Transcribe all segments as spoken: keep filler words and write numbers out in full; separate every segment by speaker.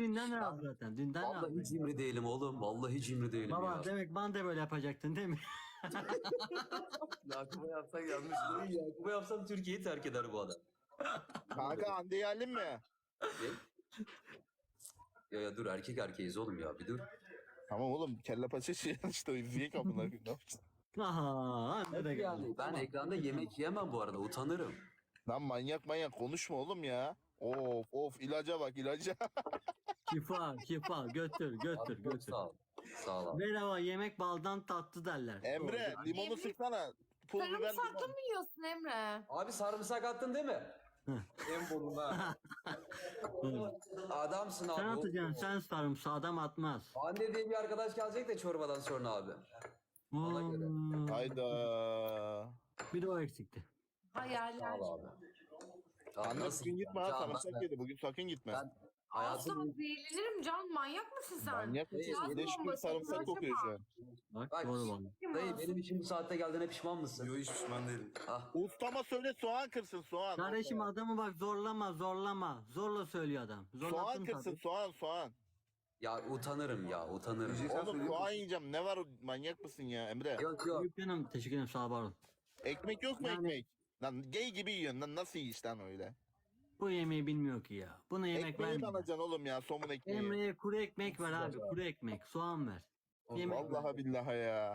Speaker 1: dünden razı zaten. Dünden razı.
Speaker 2: Vallahi cimri değilim oğlum. Vallahi cimri değilim
Speaker 1: Baba
Speaker 2: ya.
Speaker 1: demek bana da böyle yapacaktın değil mi?
Speaker 2: Yakup'a yapsak yanlış değil. Yakup'a yapsam Türkiye'yi terk eder bu adam.
Speaker 3: Kanka Hande geldin mi?
Speaker 2: Ne? Ya ya dur erkek erkeğiz oğlum ya bir dur.
Speaker 3: Tamam oğlum kelle paça şey işte izleyek amına koyayım. Ne yapacağız?
Speaker 1: Aha, anne de geldi.
Speaker 2: Yani ben ekranda yemek yemem bu arada utanırım.
Speaker 3: Lan manyak manyak konuşma oğlum ya. Of of ilaca bak ilaca.
Speaker 1: Şifa, şifa. Götür, götür,
Speaker 2: Abi çok
Speaker 1: götür.
Speaker 2: sağ ol. Sağ ol abi.
Speaker 1: Bedava yemek baldan tatlı derler.
Speaker 3: Emre
Speaker 1: Doğru.
Speaker 3: limonu
Speaker 4: Emre,
Speaker 3: sıksana. Pul biber
Speaker 4: Sarımsaklı
Speaker 3: limon.
Speaker 4: mı yiyorsun Emre?
Speaker 2: Abi sarımsak attın değil mi? en burnuna. Adamsın abi.
Speaker 1: Sen atacaksın, sen sarımsağı adam atmaz.
Speaker 2: Hande diye bir arkadaş gelecek de çorbadan sonra abi. Ona göre.
Speaker 1: Hmm,
Speaker 3: Hayda.
Speaker 1: Bir de o eksikti.
Speaker 4: Hayaller.
Speaker 2: Sağ ol abi. Abi
Speaker 3: Anne
Speaker 2: nasıl-
Speaker 3: bugün gitme ha
Speaker 2: Can,
Speaker 3: sarımsak
Speaker 2: ben-
Speaker 3: yedi. Bugün sakın gitme.
Speaker 2: Ben hayatım...
Speaker 4: Asla zehirlenirim Can. Manyak mısın sen?
Speaker 3: Manyak mısın?
Speaker 2: Dayı,
Speaker 3: Beş gün
Speaker 4: bombası,
Speaker 3: sarımsak
Speaker 4: acaba?
Speaker 3: kokuyor şu an.
Speaker 1: Bak,
Speaker 2: Bak,
Speaker 1: doğru valla.
Speaker 2: Dayı benim için bu saatte geldiğine pişman mısın?
Speaker 5: Yo hiç pişman değilim.
Speaker 2: Ah.
Speaker 3: Ustama söyle soğan kırsın soğan.
Speaker 1: Kardeşim adamı bak zorlama, zorlama. Zorla söylüyor adam.
Speaker 3: Soğan
Speaker 1: Zorlattın
Speaker 3: kırsın
Speaker 1: tabii.
Speaker 3: soğan soğan.
Speaker 2: Ya utanırım ya utanırım.
Speaker 5: Yiyeceksen
Speaker 3: Oğlum
Speaker 5: söyleyeyim.
Speaker 3: soğan yiyeceğim. Ne var manyak mısın ya Emre?
Speaker 2: Yok yok.
Speaker 1: Büyük canım, teşekkür ederim, sağ ol, var ol.
Speaker 3: Ekmek yok mu
Speaker 1: Yani-
Speaker 3: ekmek? Lan gay gibi yiyorsun lan nasıl yiyiş lan öyle?
Speaker 1: Bu yemeği bilmiyor ki ya. Buna yemek
Speaker 3: Ekmeği mi
Speaker 1: vermiyor.
Speaker 3: alacaksın oğlum ya somun ekmeği?
Speaker 1: Emre'ye kuru ekmek ver abi. Kuru ekmek, soğan ver. Yemek ver.
Speaker 3: Vallahi billahi ya.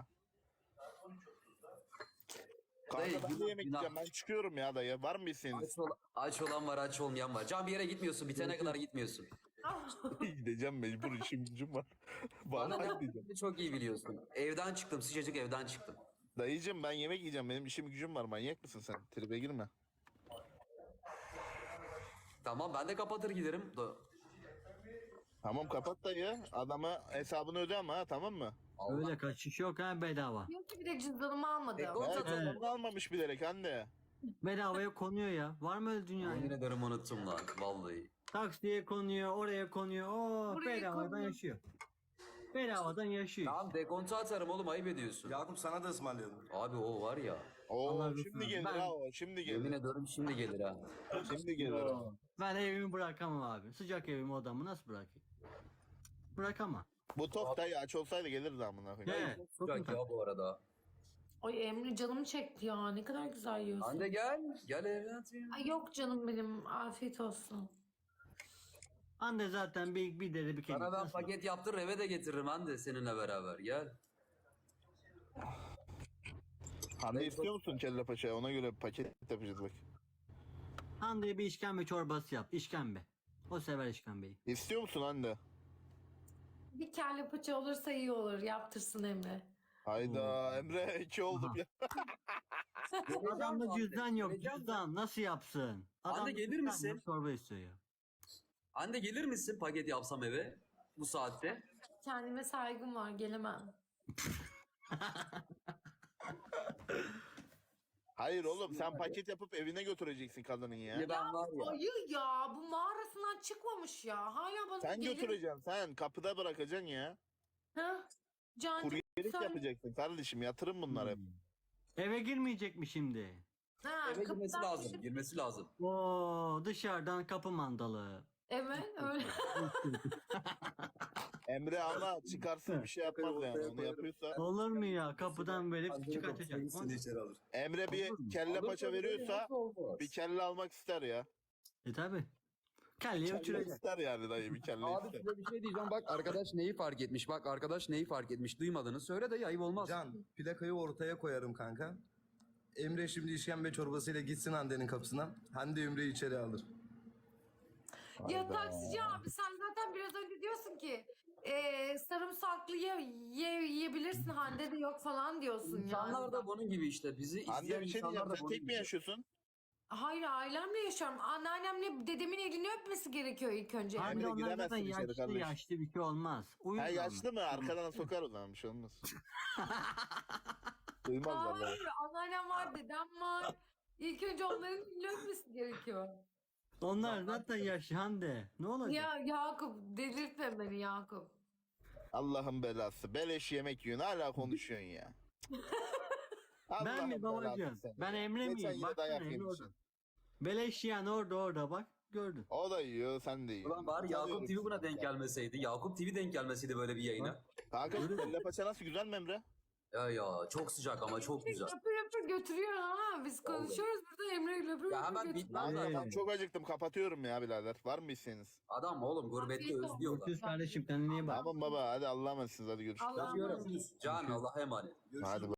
Speaker 2: Dayı,
Speaker 3: Kanka ben de
Speaker 2: günah,
Speaker 3: yemek
Speaker 2: günah.
Speaker 3: yiyeceğim ben çıkıyorum ya dayı var mı isteğiniz?
Speaker 2: Aç, ol- aç olan var aç olmayan var. Can bir yere gitmiyorsun bitene kadar gitmiyorsun.
Speaker 3: Gideceğim mecbur işim gücüm var.
Speaker 2: Bana
Speaker 3: Vallahi
Speaker 2: ne
Speaker 3: gideceğim.
Speaker 2: yaptığını çok iyi biliyorsun. Evden çıktım sıcacık evden çıktım.
Speaker 3: Dayıcım ben yemek yiyeceğim benim işim gücüm var manyak mısın sen? Tribe girme.
Speaker 2: Tamam ben de kapatır giderim. Da-
Speaker 3: Tamam kapat dayı adama hesabını öde ama ha tamam mı?
Speaker 2: Allah.
Speaker 1: Öyle kaçış yok ha, bedava.
Speaker 4: Diyor ki bir de cüzdanımı almadım.
Speaker 2: E, o-
Speaker 3: Evet,
Speaker 2: Zaten-
Speaker 3: evet. almamış bilerek anne.
Speaker 1: Bedavaya konuyor ya. Var mı öyle dünya?
Speaker 2: Yemin
Speaker 1: ya?
Speaker 2: ederim unuttum lan vallahi.
Speaker 1: Taksiye konuyor, oraya konuyor. Oo,
Speaker 4: Buraya
Speaker 1: bedavadan
Speaker 4: konuyor.
Speaker 1: yaşıyor. Bedavadan yaşıyor.
Speaker 2: Tamam dekontu atarım oğlum ayıp ediyorsun.
Speaker 5: Yakup sana da ısmarlayalım.
Speaker 2: Abi o var ya.
Speaker 3: Oo
Speaker 1: Allah
Speaker 3: şimdi
Speaker 1: lütfen.
Speaker 3: gelir
Speaker 1: Ben-
Speaker 3: ha o şimdi
Speaker 2: Yemin
Speaker 3: gelir.
Speaker 2: ederim şimdi gelir ha.
Speaker 3: Şimdi gelir ha.
Speaker 1: Ben evimi bırakamam abi. Sıcak evimi, odamı nasıl bırakayım? Bırakamam.
Speaker 3: Bu top dayı aç olsaydı gelirdi amına koyayım.
Speaker 1: Evet. Çok
Speaker 2: Sıcak ya bu arada.
Speaker 4: Ay Emre canım çekti ya. Ne kadar güzel yiyorsun.
Speaker 2: Hande gel. Gel evlat ya.
Speaker 4: Ay yok canım benim. Afiyet olsun.
Speaker 1: Anne zaten bir, bir deri bir kemik.
Speaker 2: Sana ben
Speaker 1: Nasıl?
Speaker 2: paket yaptır eve de getiririm Hande seninle beraber gel.
Speaker 3: Hande istiyor musun kelle paça? Ona göre paket yapacağız bak.
Speaker 1: Hande'ye bir işkembe çorbası yap. İşkembe. O sever işkembeyi.
Speaker 3: İstiyor musun Hande?
Speaker 4: Bir kelle paça olursa iyi olur. Yaptırsın Emre.
Speaker 3: Hayda Emre iki oldum
Speaker 1: Aha.
Speaker 3: ya.
Speaker 1: Adamda cüzdan yok.
Speaker 2: Vereceğim
Speaker 1: Cüzdan nasıl yapsın?
Speaker 2: Hande
Speaker 1: Adam
Speaker 2: gelir
Speaker 1: cüzdan
Speaker 2: misin?
Speaker 1: yok, çorba istiyor ya.
Speaker 2: Hande gelir misin paket yapsam eve bu saatte?
Speaker 4: Kendime saygım var. Gelemem.
Speaker 3: Hayır oğlum sen paket yapıp evine götüreceksin kadının ya.
Speaker 2: Ya ben var ya.
Speaker 4: Ayı ya. Bu mağarasından çıkmamış ya. Hala bana
Speaker 3: Sen
Speaker 4: gelir-
Speaker 3: götüreceksin sen kapıda bırakacaksın ya.
Speaker 4: Ha? Cancım
Speaker 3: Kuryelik
Speaker 4: sen...
Speaker 3: yapacaksın kardeşim yatırım bunlar hep.
Speaker 1: Hmm. Eve girmeyecek mi şimdi?
Speaker 4: Ha,
Speaker 2: Eve girmesi
Speaker 4: kapıdan
Speaker 2: lazım.
Speaker 4: çıkıp-
Speaker 2: Girmesi lazım.
Speaker 1: Oo, dışarıdan kapı mandalı.
Speaker 4: Evet öyle.
Speaker 3: Emre ama çıkarsın bir şey yapmaz yani onu yapıyorsa.
Speaker 1: Olur mu ya? Kapıdan verip
Speaker 5: Hande'nin
Speaker 1: çıkartacak.
Speaker 5: kapısına gitsin içeri alır.
Speaker 3: Emre bir
Speaker 1: Olur mu?
Speaker 3: kelle
Speaker 2: Olur
Speaker 3: paça
Speaker 2: tabii,
Speaker 3: veriyorsa
Speaker 2: nasıl olmaz?
Speaker 3: bir kelle almak ister ya.
Speaker 1: E tabi. Kelleyi
Speaker 3: Kelle
Speaker 1: uçuracak.
Speaker 3: ister yani dayı bir kelle
Speaker 2: Abi
Speaker 3: ister.
Speaker 2: size bir şey diyeceğim. Bak arkadaş neyi fark etmiş? Bak arkadaş neyi fark etmiş? Duymadığını söyle de ayıp olmaz.
Speaker 5: Can plakayı ortaya koyarım kanka. Emre şimdi işkembe çorbasıyla gitsin Hande'nin kapısına. Hande Emre'yi içeri alır.
Speaker 4: Ya taksici abi sen zaten biraz önce diyorsun ki eee sarımsaklı ye, ye, yiyebilirsin Hande de yok falan diyorsun
Speaker 2: İnsanlar
Speaker 4: yani.
Speaker 2: da bunun gibi işte. Bizi
Speaker 3: Anne
Speaker 2: izleyen
Speaker 3: bir şey
Speaker 2: insanlar
Speaker 3: diyeceğim
Speaker 2: da
Speaker 3: sen
Speaker 2: bunun
Speaker 3: tek mi
Speaker 2: gibi.
Speaker 3: yaşıyorsun?
Speaker 4: Hayır ailemle yaşıyorum. Anneannemle dedemin elini öpmesi gerekiyor ilk önce.
Speaker 1: Anne
Speaker 3: Emre,
Speaker 1: onlar zaten
Speaker 3: giremezsin içeri
Speaker 1: yaşlı
Speaker 3: kardeş.
Speaker 1: yaşlı bir şey olmaz. Uyuz
Speaker 3: Ha
Speaker 1: onlar.
Speaker 3: yaşlı mı? Arkadan sokar o zaman bir şey olmaz. Duymaz vallahi.
Speaker 4: Hayır anneannem var dedem var. İlk önce onların elini öpmesi gerekiyor.
Speaker 1: Onlar zaten yaşlı Hande. Ne olacak?
Speaker 4: Ya Yakup delirtme beni Yakup.
Speaker 3: Allah'ın belası. Beleş yemek yiyorsun hala konuşuyorsun ya.
Speaker 1: Ben mi
Speaker 3: Allah'ın belası
Speaker 1: babacığım?
Speaker 3: seni
Speaker 1: Ben
Speaker 3: ya.
Speaker 1: Emre
Speaker 3: Geçen
Speaker 1: miyim?
Speaker 3: yine
Speaker 1: Baksana
Speaker 3: dayak
Speaker 1: Emre
Speaker 3: yemişsin.
Speaker 1: orada. Beleş yiyen orada orada bak. gördün.
Speaker 3: O da yiyor, sen de yiyorsun.
Speaker 6: Ulan bari Yakup
Speaker 3: Tanıyoruz.
Speaker 6: T V buna denk gelmeseydi. Yakup T V denk gelmeseydi böyle bir yayına.
Speaker 3: Kanka kelle paça nasıl, güzel mi Emre?
Speaker 6: Ya ya çok sıcak ama çok güzel.
Speaker 4: Yapır yapır götürüyor ha. Biz konuşuyoruz burada Emre ile yapır
Speaker 6: Ya
Speaker 4: yapır
Speaker 6: hemen
Speaker 4: götürüyor.
Speaker 6: bitmez
Speaker 3: Ben
Speaker 6: zaten.
Speaker 3: çok acıktım, kapatıyorum ya birader. Var mı isteğiniz?
Speaker 6: Adam oğlum gurbette
Speaker 4: Afiyet olsun.
Speaker 6: özlüyorlar.
Speaker 1: Görüşürüz kardeşim, kendine iyi bak.
Speaker 3: Tamam baba, hadi Allah'a emanetsiniz, hadi görüşürüz.
Speaker 4: Allah'a emanet.
Speaker 6: Can Allah'a emanet.
Speaker 3: Hadi